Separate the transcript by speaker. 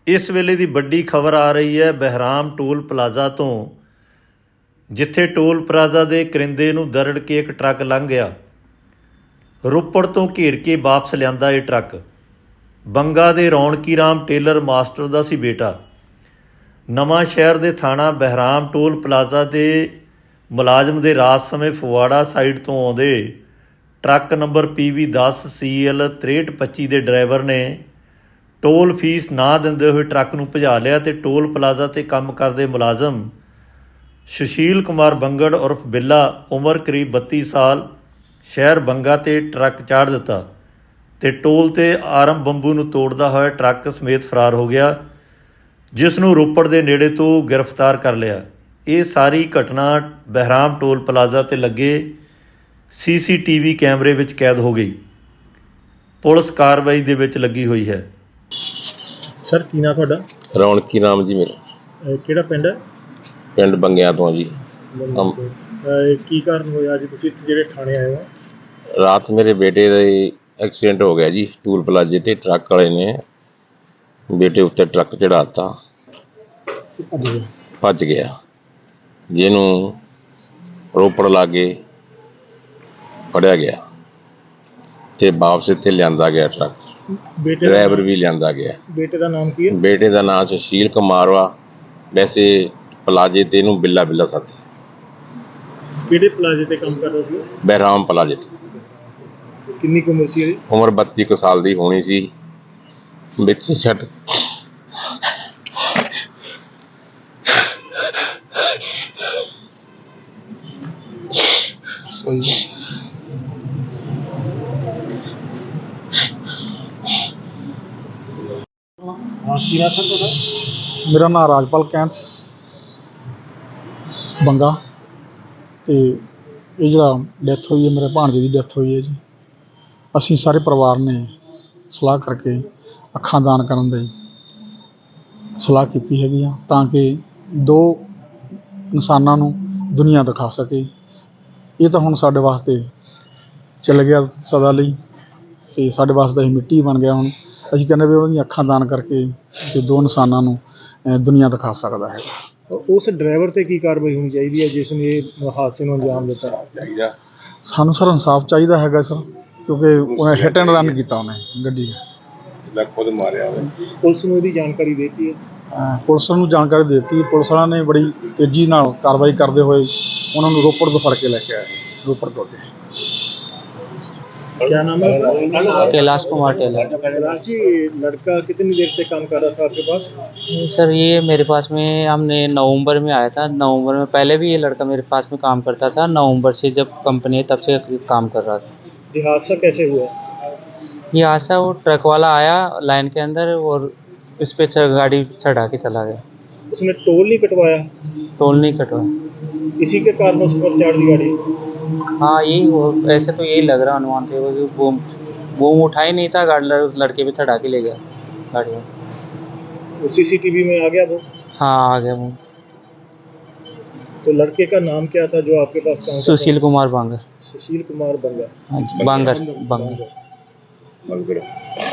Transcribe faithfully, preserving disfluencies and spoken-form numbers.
Speaker 1: इस वेले की बड़ी खबर आ रही है बहराम टोल प्लाजा तो, जिथे टोल प्लाजा के करिंदे नूं दरड़ के एक ट्रक लंघ गया। रोपड़ तो घेर के वापस लियांदा ये ट्रक। बंगा दे रौनकी राम टेलर मास्टर का सी बेटा। नवां शहर के थाणा बहराम टोल प्लाजा के मुलाजम के रात समय फगवाड़ा साइड तो आउंदे ट्रक नंबर पी वी दस सी एल त्रेहठ पच्ची के ड्राइवर ने टोल फीस ना दिंदे हुए ट्रक नूं भजा लिया ते टोल प्लाजा ते काम करदे मुलाजम सुशील कुमार बंगड़ उर्फ बिल्ला उम्र करीब बत्ती साल शहर बंगा ते ट्रक चाढ़ दिता ते टोल ते आरम बंबू नूं तोड़दा होया ट्रक समेत फरार हो गया, जिस नूं रोपड़ दे नेड़े तो गिरफ्तार कर लिया। ये सारी घटना बहराम टोल प्लाजा ते लगे सी सी टी वी कैमरे विच कैद हो गई। पुलिस कार्रवाई दे विच लगी हुई है।
Speaker 2: सर की नाम तुहाडा?
Speaker 3: रौनकी राम जी मेरा।
Speaker 2: अह किहड़ा पिंड है?
Speaker 3: पिंड बंगिया तो जी। हम
Speaker 2: अह की कारण होया जी तुसीं इत्थे ਜਿਹੜੇ ਥਾਣੇ ਆਏ ਹੋ?
Speaker 3: रात मेरे बेटे का एक्सीडेंट हो गया जी। टूल प्लाजे ते ट्रक वाले ने बेटे उत्ते ट्रक चढ़ाता, भज गया, जिन्हों रोपड़ लागे फड़िया गया ते वापस इत्थे लियांदा गया ट्रक।
Speaker 2: बेटे
Speaker 3: ड्राइवर भी लियांदा गया।
Speaker 2: बेटे का नाम की है?
Speaker 3: बेटे का नाम सुशील कुमार वा, वैसे प्लाजे ते इहनूं बिल्ला बिल्ला साथी।
Speaker 2: ਕਿਹੜੇ ਪਲਾਜ਼ੇ ਤੇ ਕੰਮ ਕਰਦਾ ਸੀ?
Speaker 3: बहराम प्लाजे ते।
Speaker 2: ਕਿੰਨੀ ਕੁ ਉਮਰ ਸੀ ਇਹਦੀ?
Speaker 3: उम्र बत्ती कुछ साल की होनी सी। विच छट
Speaker 2: ਹਾਂ ਕੀ ਨਾਮ ਸਰ ਤੁਹਾਡਾ?
Speaker 4: मेरा नाम राजपाल कैंथ बंगा ਤੇ ਇਹ ਜਿਹੜਾ ਡੈਥ ਹੋਈ ਹੈ ਮੇਰੇ ਭਾਣਜੇ ਦੀ ਡੈਥ ਹੋਈ ਹੈ ਜੀ। ਅਸੀਂ ਸਾਰੇ ਪਰਿਵਾਰ ਨੇ ਸਲਾਹ ਕਰਕੇ ਅੱਖਾਂ ਦਾਨ ਕਰਨ ਦੀ ਸਲਾਹ ਕੀਤੀ ਹੈਗੀ ਆ ਤਾਂ ਕਿ ਦੋ ਇਨਸਾਨਾਂ ਨੂੰ ਦੁਨੀਆ ਦਿਖਾ ਸਕੇ। ਇਹ ਤਾਂ ਹੁਣ ਸਾਡੇ ਵਾਸਤੇ ਚੱਲ ਗਿਆ ਸਦਾ ਲਈ ਅਤੇ ਸਾਡੇ ਵਾਸਤੇ ਇਹ ਮਿੱਟੀ ਬਣ ਗਿਆ। ਹੁਣ ਅਸੀਂ ਕਹਿੰਦੇ ਵੀ ਉਹਦੀਆਂ ਅੱਖਾਂ ਦਾਨ ਕਰਕੇ ਤੇ ਦੋ ਇਨਸਾਨਾਂ ਨੂੰ ਦੁਨੀਆ ਦਿਖਾ ਸਕਦਾ ਹੈਗਾ।
Speaker 2: ਉਸ ਡਰਾਈਵਰ ਤੇ ਕੀ ਕਾਰਵਾਈ ਹੋਣੀ ਚਾਹੀਦੀ ਹੈ ਜਿਸ ਨੇ ਇਹ ਹਾਦਸੇ ਨੂੰ ਅੰਜਾਮ ਦਿੱਤਾ?
Speaker 4: ਸਾਨੂੰ ਸਰ ਇਨਸਾਫ ਚਾਹੀਦਾ ਹੈਗਾ ਸਰ, ਕਿਉਂਕਿ ਉਹਨੇ ਹਿੱਟ ਐਂਡ ਰਨ ਕੀਤਾ, ਉਹਨੇ ਗੱਡੀ
Speaker 3: ਖੁਦ ਮਾਰਿਆ।
Speaker 2: ਪੁਲਿਸ ਨੂੰ ਇਹਦੀ ਜਾਣਕਾਰੀ ਦੇ ਦਿੱਤੀ ਹੈ?
Speaker 4: ਪੁਲਿਸ ਨੂੰ ਜਾਣਕਾਰੀ ਦੇ ਦਿੱਤੀ। ਪੁਲਿਸ ਵਾਲਿਆਂ ਨੇ ਬੜੀ ਤੇਜ਼ੀ ਨਾਲ ਕਾਰਵਾਈ ਕਰਦੇ ਹੋਏ ਉਹਨਾਂ ਨੂੰ ਰੋਪੜ ਤੋਂ ਫੜ ਕੇ ਲੈ ਕੇ ਆਏ, ਰੋਪੜ ਤੋਂ ਅੱਗੇ।
Speaker 2: क्या नाम है?
Speaker 5: कैलाश कुमार टेलर।
Speaker 2: कैलाश जी, लड़का कितनी देर से काम कर रहा था आपके पास?
Speaker 5: सर ये मेरे पास में हमने नवंबर में आया था। नवंबर में पहले भी ये लड़का मेरे पास में काम करता था। नवंबर से जब कंपनी है तब से काम कर रहा था।
Speaker 2: ये हादसा कैसे हुआ?
Speaker 5: ये हादसा वो ट्रक वाला आया लाइन के अंदर और इस पे गाड़ी चढ़ा के चला गया।
Speaker 2: उसने टोल नहीं कटवाया?
Speaker 5: टोल नहीं कटवाया।
Speaker 2: इसी के कारण उस पर चार दी गाड़ी?
Speaker 5: हाँ यही हो, ऐसे तो यही लग रहा अनुमान थे। वो वो वो उठा ही नहीं था, गाड़ी लड़के पे चढ़ा के ले गया गाड़ी में।
Speaker 2: वो सीसीटीवी में आ गया वो?
Speaker 5: हाँ आ गया वो।
Speaker 2: तो लड़के का नाम क्या था जो आपके पास काम?
Speaker 5: सुशील कुमार बांगर।
Speaker 2: सुशील कुमार बंगा।
Speaker 5: हाँ जी, बांगर बांगर।
Speaker 3: बांगर।